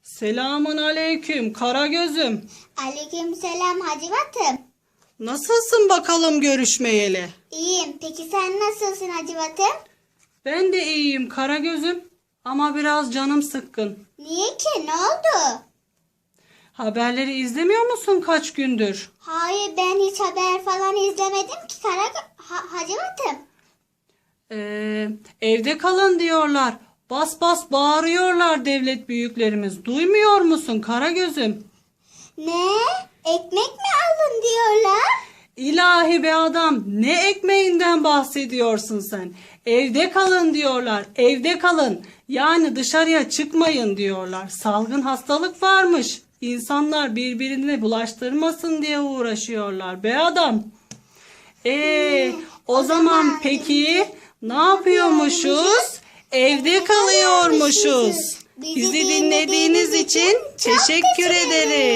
Selamun aleyküm Karagöz'üm. Aleykümselam Hacivat'ım. Nasılsın bakalım görüşmeyeli? İyiyim. Peki sen nasılsın Hacivat'ım? Ben de iyiyim Karagöz'üm ama biraz canım sıkkın. Niye ki? Ne oldu? Haberleri izlemiyor musun kaç gündür? Hayır, ben hiç haber falan izlemedim ki Hacivat'ım. Evde kalın diyorlar. Bas bas bağırıyorlar devlet büyüklerimiz. Duymuyor musun Karagöz'üm? Ne? Ekmek mi alın diyorlar? İlahi be adam, ne ekmeğinden bahsediyorsun sen? Evde kalın diyorlar, evde kalın. Yani dışarıya çıkmayın diyorlar. Salgın hastalık varmış. İnsanlar birbirine bulaştırmasın diye uğraşıyorlar be adam. O zaman peki ne yapıyormuşuz? Evde kalıyormuşuz. Bizi dinlediğiniz için teşekkür ederim.